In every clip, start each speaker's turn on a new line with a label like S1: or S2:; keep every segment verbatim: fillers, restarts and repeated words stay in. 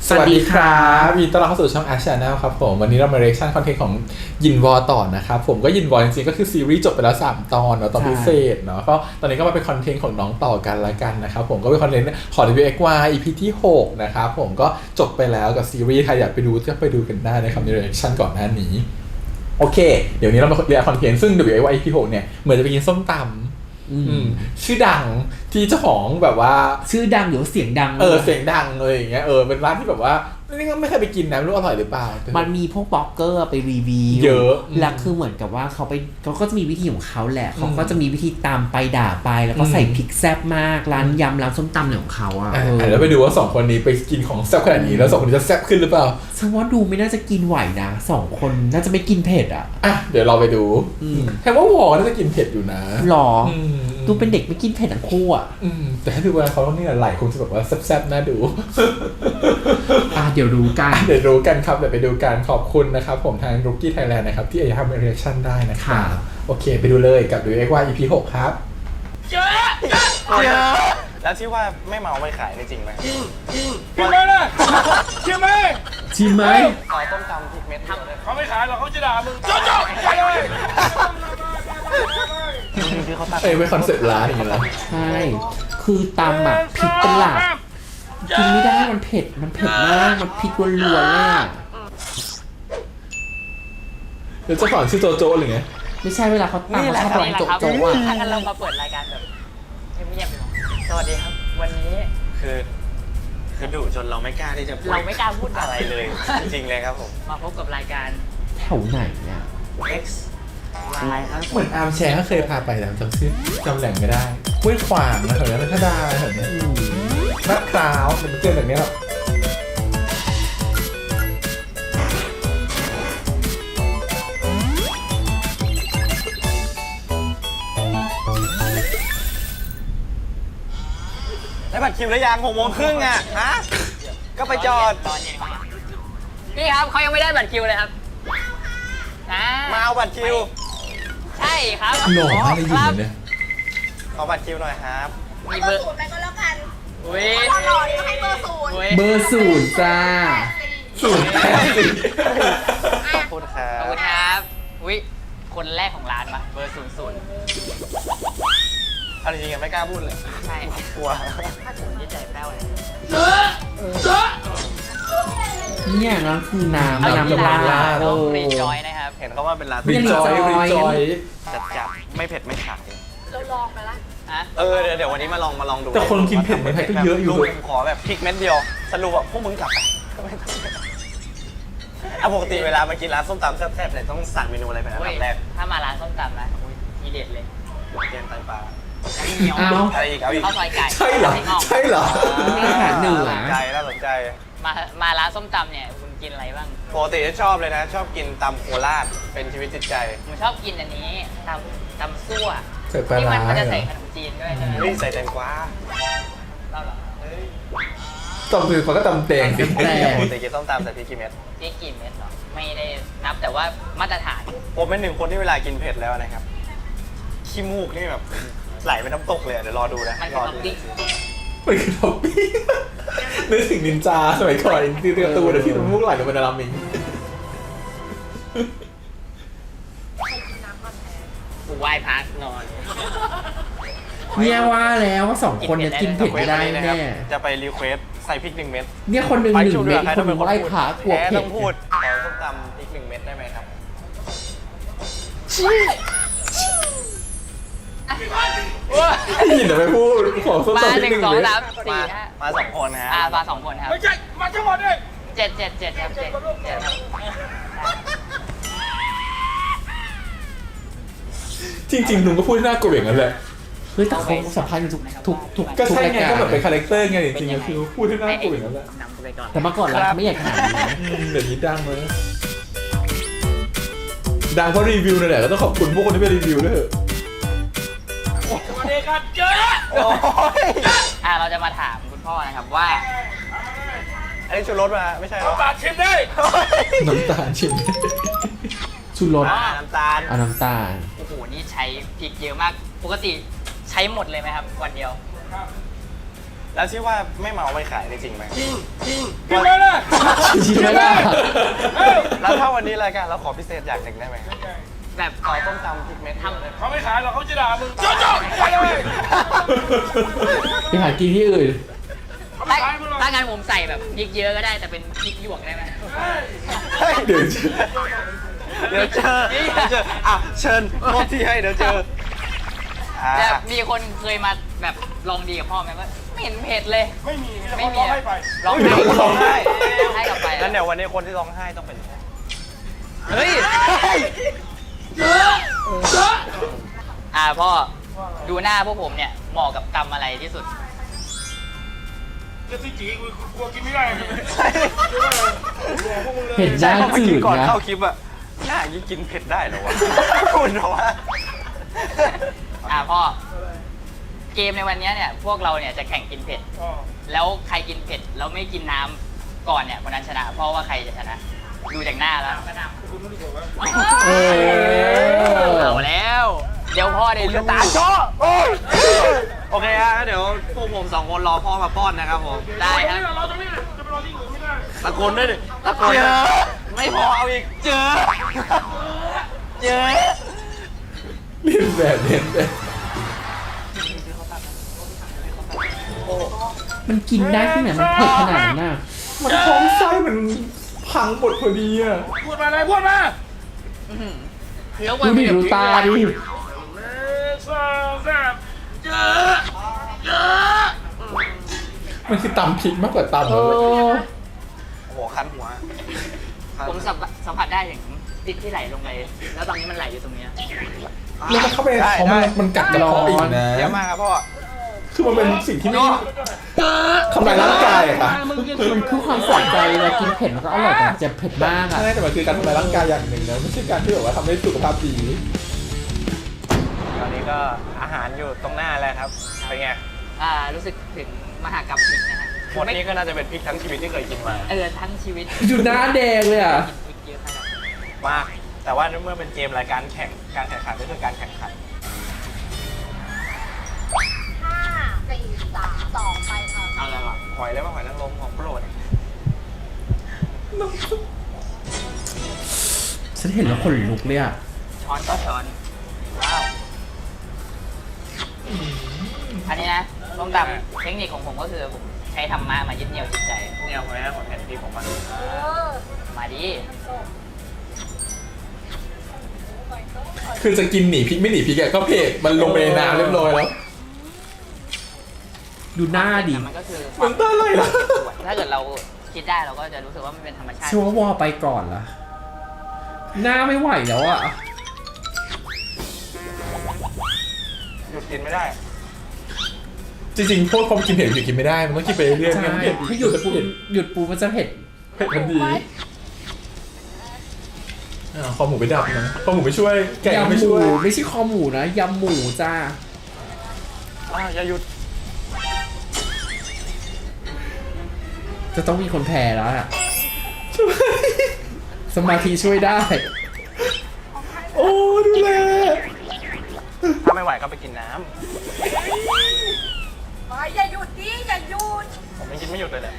S1: สวัสดีครับยินดีต้อนรับเข้าสู่ช่อง Ash Channel ครับผมวันนี้เรามา reaction content ของยินวอต่อนะครับผมก็ยินวอจริงๆก็คือซีรีส์จบไปแล้วสามตอนเนาะตอนพิเศษเนาะก็ตอนนี้ก็มาเป็นคอนเทนต์ของน้องต่อกันละกันนะครับผมก็เป็นคอนเทนต์ของ ดับเบิลยู เอ็กซ์ วาย อี พี ที่หกนะครับผมก็จบไปแล้วกับซีรีส์ใครอยากไปดูก็ไปดูกันได้นะครับใน reaction ก่อนหน้านี้โอเคเดี๋ยวนี้เรามาเรียนคอนเทนต์ซึ่ง ดับเบิลยู เอ็กซ์ วาย อี พี หกเนี่ยเหมือนจะไปกินส้มตำชื่อดังที่เจ้าของแบบว่า
S2: ชื่อดังหรือเสียงดัง
S1: เออเสียงดังเลยอย่างเงี้ยเออเป็นร้านที่แบบว่านี่ก็ไม่เคยไปกินนะไม่รู้อร่อยหรือเปล่า
S2: มันมีพวกบล็อกเกอร์ไปรีวิว
S1: เยอะ
S2: แล้วคือเหมือนกับว่าเขาไปเขาก็จะมีวิธีของเขาแหละเขาก็จะมีวิธีตามไปด่าไปแล้วก็ใส่พริกแซ่บมากร้านยำร้านส้มตำเนี่ยของเขาอ่ะ
S1: แล้วไปดูว่าสองคนนี้ไปกินของแซ่บขนาดนี้แล้วสองคนนี้จะแซ่บขึ้นหรือเปล่า
S2: ฉันว่าดูไม่น่าจะกินไหวนะสองคนน่าจะไม่กินเผ็ดอ่ะ
S1: อ่ะเดี๋ยวเราไปดูแค่ว่าวอน่าจะกินเผ็ดอยู่นะ
S2: หรอดูเป็นเด็กไม่กินเผ็ดทั้งคู่อ่ะ
S1: แต่ถ้าดูเวลาเขาต้องนี่ไหลคงจะแบบว่าแซ่บๆน่าดู
S2: อ่ะเดี๋ยวรู้กัน
S1: เดี๋ยวรู้กันครับเดี๋ยวไปดูกันขอบคุณนะครับผมทาง Rookie Thailand นะครับที่จะทำ reaction ได้นะครับโอเคไปดูเลยกับ ดับเบิลยู เอ็กซ์ วาย อี พี หกครับ
S3: เยอะเยอะแล้วที่ว่าไม่เมาไม่ขายนี่จริงไหมจริงจริงจริงไหมล่ะจริงไหม
S2: จริงไหม
S3: ขอต้มตำพริกเม็ด
S4: เขาไม่ขายหรอกเขาจะด่ามึงโจ๊ะๆไปเลย
S1: คือเขาตัดเอ้ยไม่คอนเซ็ปต์ร้านอย่างเงี้ย
S2: ใช่คือตำอ่ะพริกเป็นหลักกินไม่ได้มันเผ็ดมันเผ็ดมากมันพริกล้วนๆเลยอ่ะ
S1: เดี๋ยวจะสอนชื่อโจโจ้หรือไง
S2: ไม่ใช่เวลาเขาตำเขาชอบร้องโจโจ้อ่ะ
S5: ถ้างั้นเรามาเปิดรายการแบบเงียบๆสวัสดีครับวันนี้
S3: คือคือดุจนเราไม่กล้าที่จะพูด
S5: เราไม่กล้าพูด
S3: อะไรเลยจริงๆเลยครับผม
S5: มาพบกับรายการ
S2: แถวไหนเนี่ย
S5: X อะไรครับ
S1: เหมือนอาร์มแชร์ก็เคยพาไปแต่จำชื่อจำแหล่งไม่ได้ห้วยขวางนะแถวนั้นพัทยาแถวนี้ลาดพร้าวเป็นเจอแบบนี้หรอ
S3: ได้บัตรคิวแล้วยังหกโมงครึ่งอ่ะฮะก็ไปจอด
S5: ตอนเย็นนี่ครับเขายังไม่ได้บัตรคิวเลยครับ
S3: นะมาเอาบัตรคิว
S5: ใช่ครับ
S1: หล่อมากเลยอยู่เนี่ย
S3: ขอบัตรคิวหน่อยครับ
S5: มีเบอร์ศูนย์ไปก็แล้วกันอุ้ย
S4: หล่อๆให้เบอร์ศูนย์
S2: เบอร์ศูนย์จ้า
S1: ศูนย์แปดสี่
S3: ขอบคุณครับ
S5: ขอบคุณครับอุ้ยคนแรกของร้านปะเบอร์ศูนย์ศูนย์
S3: เอาจริงๆไม่กล้าพูดเลย
S5: ใช่
S3: กลัว
S5: ที่ใจแป้วเลย
S2: เนี่ยนั่นคือน้ำน้ำปลา
S5: ต้องรีจอยนะครับ
S3: เห็นเขาว่าเป็นร้าน
S1: รีจอยรีจอย
S3: จัดจัดไม่เผ็ดไม่ขาย
S4: เราลองไปละ
S3: เออเดี๋ยวเดี๋ยววันนี้มาลองมาลองดู
S1: แต่คนกินเผ็ดในไทยก็เยอะอยู่
S3: เลยขอแบบพริกเม็ดเดียวสรุปแบบพวกมึงกลับไปเอาปกติเวลามากินร้านส้มตำแซ่บๆเนี่ยต้องสั่งเมนูอะไรเป็นอันดับแรก
S5: ถ้ามาร้านส้มตำนะทีเด็ดเลย
S3: แกงไตปลา
S2: เอา
S3: อะไรอีกเอาอีก
S5: ข้าวซอยไก่
S1: ใช่เหรอใช่เหรอ
S2: อาหารเหนือ
S3: น่าสนใจน่าสนใจ
S5: มามาร้านส้มตำเนี่ยคุณกินอะไรบ้าง
S3: ปกติชอบเลยนะชอบกินตำโคราชเป็นชีวิตจิตใจ
S5: ผมชอบกินอันนี้ตำตำซั่ว
S1: ที่
S5: มันมันจะใส่ขนมจีนด้วยใช่ไหม
S3: นี่ใส่แตงกวา
S5: เราเหรอ
S1: ตำคือเขาก็ตำแตงสิ
S3: ปกติกินส้มตำใส่พริกกี่เม็ด
S5: พริกกี่เม็ดเหรอไม่ได้นับแต่ว่ามาตรฐาน
S3: ผมเป็นหนึ่งคนที่เวลากินเผ็ดแล้วนะครับขี้มูกนี่แบบไหลเป็นน้ำตกเลยเดี๋ยวรอดูนะรอดู
S1: มันคือท็อปปิ้งนึกถึงนินจาสมัยก่อนที่เตือนตัวเดี๋ยวที่มันมุกไหลลงไปในรามิง
S5: กูไหว้พักนอน
S2: เนี่ยว่าแล้วว่าสองคนเนี่ยกินเผ็ดไม่ได้แน่
S3: จะไปรีเควสใส่พริกหนึ่งเม็ด
S2: เนี่ยคนหนึ่งหนึ่งเม็ดคนหนึ่งไหว้พักกลัวเผ็ด
S3: ต้องพูดขอส้มตำพริกหนึ่งเม็ดได้ไหมครับ
S1: ยินแต่ไม่พูดขอส้มตำ
S5: หนึ่งสองสามสี่
S3: มาสองคนนะ
S5: อ่ามาสองคนครับ
S4: ไม่ใช่มาทั้งหมดเลย
S5: เจ็ดเจ็ดเจ็ดครับเจ็ดเจ็ด
S1: จริงๆลุงก็พูดน่ากลัวอย่างนั้นแหละ
S2: เฮ้ยแต่เขาสัมภาษณ์อยู่ทุกทุกทุก
S1: ก็ใช่ไงก็แบบเป็นคาแรคเตอร์ไงจริงๆคือพูดให้น่ากลัวอย่างนั้นแหละ
S2: แต่เมื่อก่อนเราไม่อยากขนาดนี้
S1: เดี๋ยวนี้ดังเลยดังเพราะรีวิวนั่นแหละก็ต้องขอบคุณพวกคนที่ไปรีวิวด้วย
S4: สวัสดีครับเจอ
S5: อ่าเราจะมาถามคุณพ่อนะครับว่า
S3: อันนี้ชูรสมาไม่ใช่
S4: น้ำตาลชิมได้
S1: น้ำตาลชิม
S2: ชูรส
S3: น้ำตาล
S2: อ่าน้ำตาล
S5: โอ้โหนี่ใช้พริกเยอะมากปกติใช้หมดเลยไหมครับวันเดียว
S3: แล้วที่ว่าไม่เมาไม่ขายนี่จริงไหม
S4: จริงจริงจริงไหมล่ะ
S2: จริงไหมล่ะ
S4: เอ้า
S3: แล้วถ้าวันนี้รายการเราขอพิเศษอย่างหนึ่งได้ไหม
S5: แบบ
S3: ขอต้มตำพริกเม็ดทำเลย
S4: เขาไม่ขายหรอกเขาจะด่ามึงโจ๊ะโจ๊ะไปเลย
S2: ไปหากินที่อื่น
S4: เขาไม่
S5: ถ้า
S4: ขายมึงหรอก
S5: ถ้างั้นผมใส่แบบพริกเยอะก็ได้แต่เป็นพริกหยวกได้ไหม
S1: เดี๋ยว
S3: เดี๋ยวเจอเดี๋ยวเจออ่ะเชิญมอบที่ให้เดี๋ยวเจออ่า
S5: แต่มีคนเคยมาแบบลองดีกับพ่อไหมว่าไม่เห็นเผ็ดเลย
S4: ไม่มีมีแต่
S5: ไม่
S4: คน
S5: มี
S4: ร้องให้ไป
S5: ร้อง
S3: เดี๋ยวคนร้องไห้
S5: ให้กลับไป
S3: งั้นเดี๋ยววันนี้คนที่ร้องไห้ต้องเป็น
S5: เฮ้ยอ่าพ่อดูหน้าพวกผมเนี่ยเหมาะกับกรรมอะไรที่สุด
S4: จะซีจีกูกลัวกินไม่ได้
S2: เห็นหน้า
S3: เมื่อ
S2: จื
S3: กี้
S2: ด
S3: ก่อน
S2: นะ
S3: เข้าคลิปอะหน้ายิ่งกินเผ็ดได้เหรอวะคุณเหรอวะ
S5: อ่าพ่อเกมในวันนี้เนี่ยพวกเราเนี่ยจะแข่งกินเผ็ด แล้วใครกินเผ็ดแล้วไม่กินน้ำก่อนเนี่ยคนนั้นชนะ เพราะว่าใครจะชนะ ดูจากหน้าแล้ว
S2: เออ
S5: เอาแล้ว เดี๋ยวพ่อได้รู้
S3: ตาโจ้โอเคฮะเดี๋ยวพวกผมสองคนรอพ่อมาป้อนนะครับผม
S5: ได้ค
S4: นี่
S5: รับ
S4: เราตรงนี้จะไปรอที่อื่นไม่ได้
S3: ตะโกนด้วยดิตะโกนเจอไม่พอเอาอีกเจอเจอ
S1: เรียนแบบเรียนแบบ
S2: มันกินได้ที่ไหนมันเผ็ดขนาดนั้นน่ะ
S1: มันท้องไส้มันพังหมดพอดีอ่ะ
S4: พูดมาเลยพูดมา
S5: แล้ว
S2: ดูดิดูตาดิ
S4: หนึ่งสองสามเจอเจอ
S1: มันคือตำพริกมากกว่าตำ
S2: เอ
S1: เลย
S2: อ
S3: โอ้โหคันหัว
S5: ผมสัมผัสสัมผัสได้ถึงพริกที่ไหลลงไปแล้วตอนนี้มันไหลอยู่ตรงเนี้ย
S1: แล้วมันเข้าไปในท้องมันมันกัดกระเพาะอีกนะ
S3: เยอะมากครับพ่อ
S1: คือมันเป็นสิ่งที่ไม่ทำลายร่างกายอะค่ะ
S2: มันคือความสนใจเวลากินเผ็ดมันก็อร่อยแต่มันจะเผ็ดมากอ่ะ
S1: ใช่แต่มันคือการทำลายร่างกายอย่างหนึ่งนะไม่ใช่การที่แบบว่าทำให้สุขภาพดี
S3: ตอนนี้ก็อาหารอยู่ตรงหน้าแล้วครับเป็นไง
S5: อ่ารู้สึกถึงมหากรรมพริกนะฮะ
S3: หมดนี้ก็น่าจะเป็นพริกทั้งชีวิตที่เคยกินมา
S5: เออทั้งชีวิต
S2: ดูหน้าแดงเลยอ่ะ
S5: กินพริกเยอะขนาดนั้น
S3: มาก แต่ว่าเมื่อเป็นเกมรายการแข่งการแข่งขันก็คือการแข่งขัน
S4: ห้าสี่สามสองไปค่ะ
S5: เอาแล้วอ่ะ
S3: หอยแล้วว่าหอยนางรมของโปรด
S2: ฉันเห็นแล้วขนลุกเลยอ่ะ
S5: ช้อนก็ช้อนว้าวอันนี้นะต้มตำเทคนิคของผมก็คือผมใช้ธรรมะมายึดเหนี่ยวจิตใจ
S3: เนี่ยหอยนะหอยแผ่นที่ของมัน
S5: มาดิ
S1: คือจะกินหนีพริกไม่หนีพริกอะก็เผ็ดมันลงไปในน้ำเรียบร้อยแล้ว
S2: ดูหน้าดิ
S5: แต่มันก็คือ
S1: มันตาไหลละ
S5: ถ้าเกิดเราคิดได้เราก็จะรู้สึกว่ามันเป็นธรรมชาติ
S2: ชัวร์วอไปก่อนละหน้าไม่ไหวแล้วอ่ะ
S3: หยุดกินไม่ได้
S1: จริงๆพวกความกินเผ็ดอยู่กินไม่ได้มันต้องกินไปเรื่อยๆ
S2: ใช่
S1: ไม่งั้นเผ็ด
S2: ถ้าหยุดปู
S1: เผ็ด
S2: หยุดปูมันจะเผ็ด
S1: เผ็ดทันทีอ่าคอหมูไปดับนะคอหมูไม่ช่วยแกะก็
S2: ยำ
S1: ไม่
S2: หมู
S1: ช่วย
S2: ไม่ใช่คอหมูนะยำหมูจ้า
S3: อ่าอย่าหยุด
S2: จะต้องมีคนแพ้แล้วอะสมาธิช่วยได้
S1: โอ้ดูแล
S3: ถ้าไม่ไหวก็ไปกินน้
S4: ไปอย่าหยุดดิอย่าหยุด
S3: ำผมยังกินไม่หยุดเลยแหละ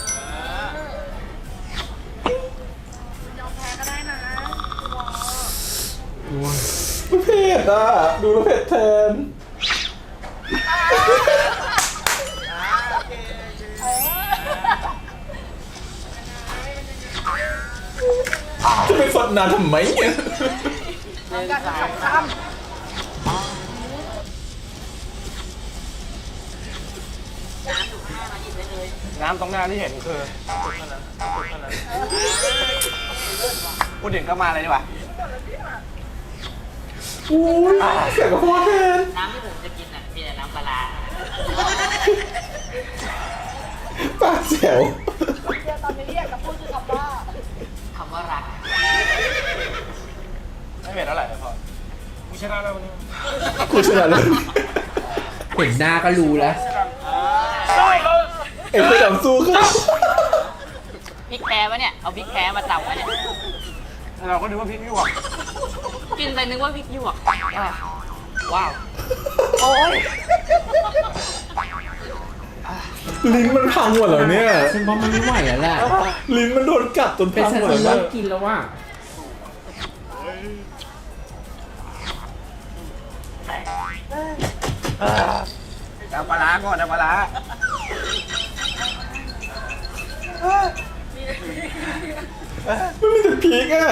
S4: ยอมแพ้ก็ได้นะ
S1: มันเผ็ดอ่ะดูแล้วเผ็ดแทนจะไปสดนานทำไมเนี่ย
S4: กันสองค
S3: น้ำตรงหน้าที่เห็นคือทุกเท่านั้นทุกเท่านั้นพูดถึงก็มาเลยดีกว่า
S1: โอ้ยเสียงกระเพาะแทน
S5: น้ำที่ผมจะกินอ่ะมีแต่น้ำปลาร้า
S1: ปากแจ๋ว
S4: ำเดี๋ยวตอนนี้อยากจะพูดคือคำว่า
S5: คำว่ารัก
S3: ไม่เผ็ดเท่าไหร่เลยพอ
S4: กูชนะแล้ววันนี้
S1: กูชนะเลย
S2: เห็นหน้าก็รู้แล้ว
S1: เอ็งไปดับสู้เขา
S5: พริกแท้ปะเนี่ยเอาพริกแท้มาตำปะเนี่ย
S3: เราก็นึกว่าพริกหยวก
S5: กินไปนึกว่าพริกหยวกอ่ะว้าว
S3: โอ้ย
S1: ลิ้นมันพังหมดแล้วเนี่ย
S2: ฉันว่ามันไม่ไหวแล้วแหละ
S1: ลิ้นมันโดนกัดจน
S2: เป็น
S1: พัง
S2: ฉัน
S1: หมด
S2: จะ
S1: แล้
S2: เลิ
S1: ว
S2: กกินแล้วว่า
S3: เอาปลาร้าก่อนเอาปลาร้า
S1: มันมีแต่พริกอ่ะ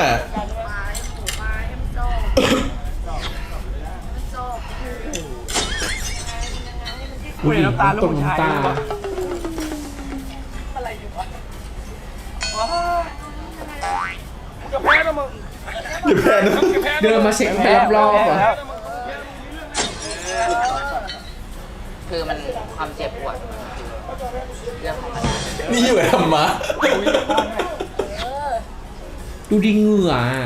S2: ผู้หญิงน้ำตาลน้ำตา
S4: จะแพ้นะมึง
S1: อย่าแพ้นะ
S4: จะแพ้
S2: เดินมาเช็คไปรอบๆอ่ะ
S5: คือมันความเจ็บปวดมันคือเรื่องของมัน
S1: นี่อยู่กับธรรมะ
S2: ดูดิเหงื่ออะ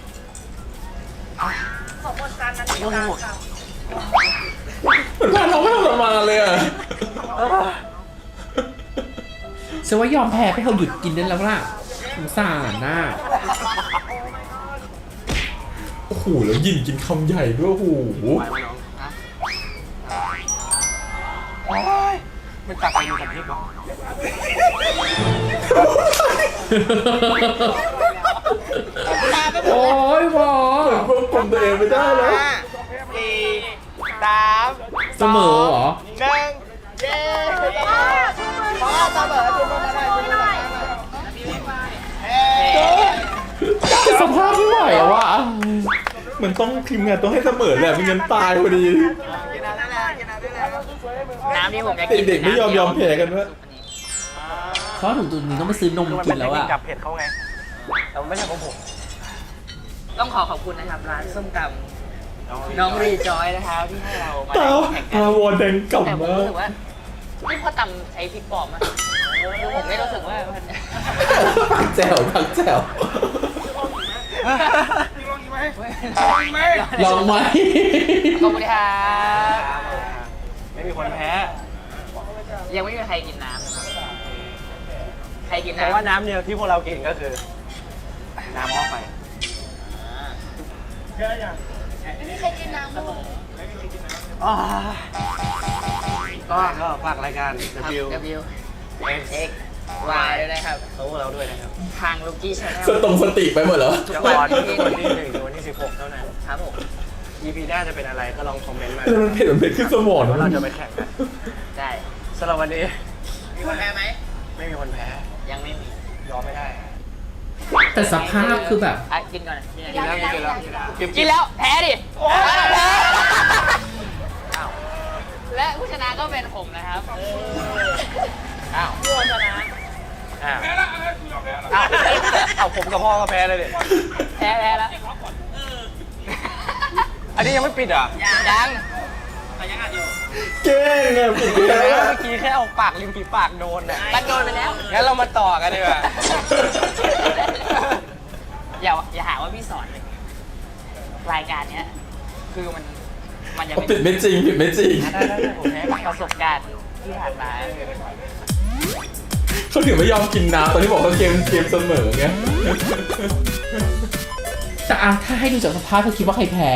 S1: เหมือนพาน้องไม่ทรมานเลยอ่ะ
S2: ฉันว่ายอมแพ้ไปเถอะหยุดกินได้แล้วล่ะสงสารน่ะ
S1: โอ้โหแล้วยินกินคำใหญ่ด้วยโอ้โห
S3: โอ้ยมันตักไปมันกับพริกเหรอ
S2: โอ้ยบอ
S1: ควบคุมตัวเองไม่ได้แล้ว
S3: ห้าสี่สาม
S2: เสมอเหรอ
S3: หนึ่งเย้พ่อเสมอจุดลงมาได้จุดลงมาได้เฮ้
S2: สภาพไม่ไหวอะวะ
S1: มันต้องทีมงานต้องให้เสมอแหละไม่งั้นตายพอดี
S3: กินน้ำได้แล้วกินน้ำได้แล้ว
S5: น้ำที่ผมจะกิน
S1: เด็กๆไม่ยอมยอมแพ้กันวะ
S2: เขาถึงจุดนี้ต้องไปซื้อนม
S3: คือมัน
S2: กิ
S3: เป็น
S2: น
S3: เท
S2: แล้
S3: คว นิค
S2: อะ
S3: จับเผ็ดเขาไงแต่มันไม่ใช่ของผม
S5: ต้องขอขอบคุณนะครับร้านส้มตำน้องรีจอยนะครับที่ให้เรามา
S1: ตา
S5: แข่งกั
S1: ตานวอนแดง
S5: แต่
S1: กำ
S5: ผม
S1: มา
S5: รู้
S1: ก
S5: สึกว่าไม่พอตำใช้พริกปลอมอะคือผมไม่รู้สึกว่ามัน
S1: ผักแจ่วผักแจ่ว
S4: ลองอีกไหมลองอีกไหม
S2: ลองไหม
S5: ขอบคุณครับ
S3: ไม่มีคนแพ้
S5: ยังไม่มีใครกินน้ำนะครับใครกิน
S3: แต่
S5: น้ำ
S3: ว่าน้ำเดียวที่พวกเรากินก็คือ น้ำหม้อไฟ อ๋อก็ก็ฝากรายการ
S5: ครับ
S3: W
S5: W
S3: X
S5: X Y ด้วยนะครับ
S3: เขาพวกเราด้วยนะครับ
S5: ทางลูกี้ชาแน
S1: ส
S5: ล
S1: ตรงสติไปหมดแล้ว
S3: จะออนวันที่หนึ่งถึงวันที่สิบหกเท่านั้น
S5: ครับผม
S3: อี พี หน้าจะเป็นอะไรก็ลองคอมเมนต์มา
S1: แต่มันเผ็ดมันเผ็ดขึ้นสมอง
S3: ว่าเรา
S1: นะ
S3: จะไปแข่งกัน
S5: ได้
S3: สำหรับวันนี้
S5: มีคนแพ้ไหม
S3: ไม่มีคนแพ้ ยังไม่มี ยอมไม่ได้
S2: แต่สภาพคือแบบ
S5: อ่ะกินก่อนกิน
S3: กินแล้วกินแล้วกิน
S5: กินแล้วแพ้ดิแพ้และผู้ชนะก็เป็นผมนะครับ
S3: อ้าว
S5: ผู้ชนะ
S3: อ้าว
S4: แพ้ละอะไรกูยอมแพ้ละ
S3: อ้าวเอาผมกับพ่อก็แพ้เลยดิ
S5: แพ้แพ้แล้ว
S3: อันนี้ยังไม่ปิดเหรอ่ะ
S5: ยังยังอัดอยู่
S1: เก่งอ่ะผิดไป
S3: เ
S1: แล้ว
S3: มื่อกี้แค่เอาปากริมฝีปากโดนน่ะ
S5: มันโดนไปแล้ว
S3: งั้นเรามาต่อกันดีกว่า
S5: อย่าอย่าหาว่าพี่สอนเลยรายการเนี้ย คือมันมันจะ
S1: เอา
S5: เป็
S1: ปิด
S5: น
S1: ไม่จริงผิดไม่จริง
S3: ได้ได้ได้ผมแพ้
S5: ประสบการณ์ที่ผ่านมา
S1: เขาถึงไม่ยอมกินน้ำตอนที่บอกเขาเกมเกมเสมอไง
S2: แต่อะถ้าให้ดูจากสภาพเธอคิดว่าใครแพ้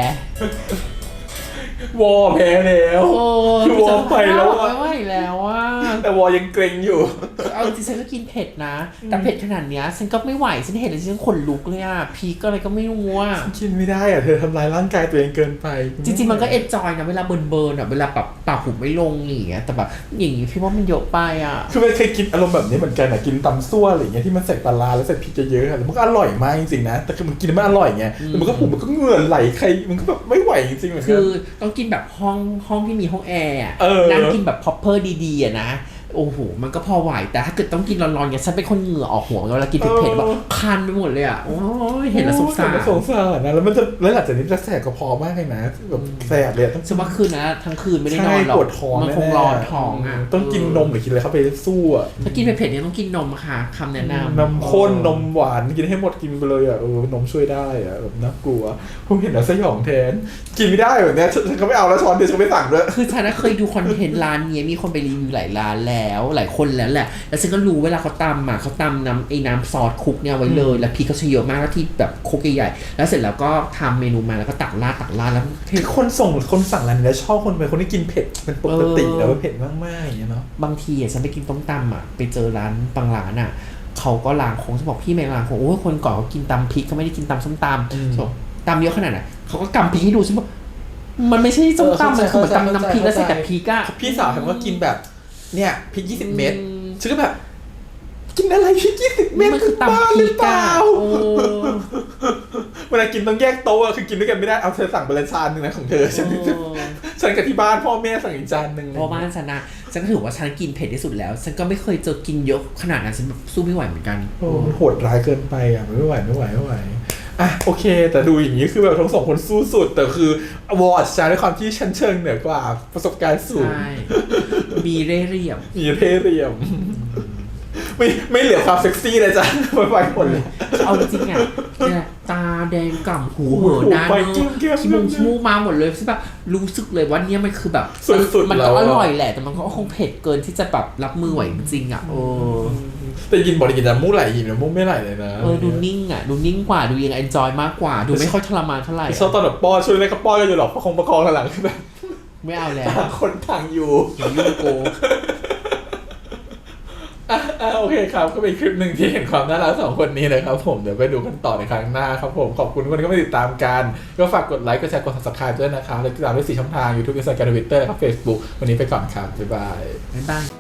S1: วอแพ้แล้ว
S2: โอ้
S1: คือวอไปแล้วอะ
S2: ไม่ไหวแล้วอ่ะ
S1: แต่วอยังเกรงอยู่
S2: เอาจริงๆฉันก็กินเผ็ดนะ แต่เผ็ดขนาดเนี้ยฉันก็ไม่ไหวฉันเห็นแล้วฉันขนลุกเลยอ่ะพีกอะไรก็ไม่รู้อ่ะ
S1: กินไม่ได้อ่ะเธอทำลายร่างกายตัวเองเกินไป
S2: จริงๆมันก็เอนจอยนะเวลาเบิร์นเบิร์นอ่ะเวลาแบบปากหุบไม่ลงอย่างเงี้ยแต่แบบอย่างงี้พี่ว่ามันเยอะไปอ่ะ
S1: คือไม่เคยกินอารมณ์แบบนี้เหมือนกันอ่ะกินตำซั่วอะไรอย่างเงี้ยที่มันใส่ปลาร้าแล้วใส่พริกเยอะๆอะแล้วมันก็อร่อยมากจริงๆนะแต่คือมันกินแล้วมันอร่อยไงแต่มันก็ผมมันก็เหงื่อไหลใครมันก็แบบไม่ไหวจริงๆเหมือน
S2: คื
S1: กัน
S2: อต้องกินแบบห้องห้องที่มีห้องแอร์อะ
S1: เออ
S2: นั่งกินแบบ proper ดีๆอะนะ โอ้โห มันก็พอไหว แต่ถ้าเกิดต้องกินร้อนๆเนี่ยฉันเป็นคนเหงื่อออกหัวเวลากินเผ็ดๆแบบคันไปหมดเลยอ่ะ โอ้ยเห็นแล้วสงสาร
S1: โอ้ยสงสารนะแล้วมันจะแล้วหลังจากนี้จะแสบกระเพาะมากเลยนะแบบแสบเลยต้อง
S2: ฉันว่าคืนนะทั้งคืนไม่ได้น
S1: ใช่
S2: อนหรอก
S1: ปวดท้อง
S2: มันคง
S1: แๆ
S2: ร้อนท้องอ่ะ
S1: ต้องกินนมหรือกินอะไรเข้าไปสู้อ่ะ
S2: ถ้ากินเผ็ดๆเนี่ยต้องกินนมค่ะคำแนะนำ
S1: นมข้นนมหวานกินให้หมดกินไปเลยอ่ะเออนมช่วยได้อ่ะแบบน่ากลัวผมเห็นแล้วสยองแทนกินไม่ได้แบบเนี้ยฉันก็ไม่เอาแล้วช้อนเดียวฉันไม่สั่งด้วย
S2: คือฉันน่ะเคยดูคอนเทนต์ร้านเนี้ยมีคนไปรีวิวหลายร้านแล้แล้วหลายคนแล้วแหละแล้วฉันก็รู้เวลาเขาตำอ่ะเขาตำน้ำไอ้น้ำซอสคลุกเนี่ยไว้เลยแล้วพริกเขาใช้เยอะมากแล้วที่แบบคลุกใหญ่ๆแล้วเสร็จแล้วก็ทำเมนูมาแล้วก็ตักราดตักราดแล้ว
S1: เห็นคนส่งคนสั่งร้านนี้แล้วชอบคนเป็นคนที่กินเผ็ดเป็นปกติแล้วเผ็ดมากๆอย่างเงี้ยเนาะ
S2: บางทีอ่ะฉันไปกินต้มตำอ่ะไปเจอร้านบางร้านอ่ะเขาก็ล้างโค้งฉันบอกพี่ไม่ล้างโค้งโอ้ยคนก่อนเขากินตำพริกเขาไม่ได้กินตำส้มตำบอกตำเยอะขนาดไหนเขาก็กำพริกให้ดูฉันบอกมันไม่ใช่ส้มตำมันคือเหมือนตำน้ำพริกแล้วใส่แต่พริกอ่ะ
S1: พี่สาวฉันก็กินแบบเนี่ยพริกยี่สิบเม็ดฉันก็แบบกินอะไรพริกยี่สิบเม็ด
S2: มันคือตำพริกอ่ะโอ้
S1: เวลากินต้องแยกโต๊ะคือกินด้วยกันไม่ได้เอาเธอสั่งไปละจานหนึ่งนะของเธอฉันฉันกับที่บ้านพ่อแม่สั่งอีกจานหนึ่ง
S2: เพราะบ้านฉันนะฉันก็ถือว่าฉันกินเผ็ดที่สุดแล้วฉันก็ไม่เคยเจอกินเยอะขนาดนั้นฉันแบบสู้ไม่ไหวเหมือนกัน
S1: โอ้มันโหดร้ายเกินไปอ่ะไม่ไหวไม่ไหวไม่ไหวอ่ะโอเคแต่ดูอย่างนี้คือแบบทั้งสองคนสู้สุดแต่คือวอร์ดชาด้วยความที่ชั้นเชิงเหนือกว่าประสบการณ์สูง
S2: ใช่มีเร่เหลี่ยม
S1: มีเท่เรียมไม่ไม่เหลือความเซ็กซี่เลยจ้ะไปไปหมดเลย
S2: เอาจริงๆอ่ะเนี่ยตาแดงก่ำหูเหอะด้าน
S1: ไป
S2: เน
S1: จิ้มแก้ม
S2: ขี้มูกขี้มูกมาหมดเลยใช่ปะรู้สึกเลยว่าเนี่ยมันคือแบบ
S1: สุดๆ
S2: มัน
S1: แล้
S2: ก็
S1: ว
S2: อ
S1: อะ
S2: ร่อยแหละแต่มันก็คงเผ็ดเกินที่จะแบบรับมือไหวจริงๆอ่ะโอ้
S1: แต่ยินบอกกินแต่มู้ไหลยินแต่มู้ไม่ไหลเลยนะ
S2: เออดูนิ่งอ่ะดูนิ่งกว่าดูยังเอนจอยมากกว่า ดูไม่ค่อยทรมานเท่าไหร่
S1: ชอบตอนแบบป้อนช่วยเล่นก็ป้อนกันอยู่หรอกประคองประคองกันหลังคือแบบ
S2: ไม่เอาแล้ว
S1: ต่างคนต่างอยู่
S2: อย่ายุ่งโก
S1: อ่ะอ่ะโอเคครับก็เป็นคลิปหนึ่งที่เห็นความน่ารักสองคนนี้นะครับผมเดี๋ยวไปดูกันต่อในครั้งหน้าครับผมขอบคุณทุกคนที่มาติดตามกันก็ฝากกดไลค์กดแชร์กด ซับสไครบ์ ด้วยนะครับและติดตามได้สี่ช่องทาง YouTube Instagram Twitter และ Facebook วันนี้ไปก่อนครับบ๊ายบาย
S2: บ๊ายบาย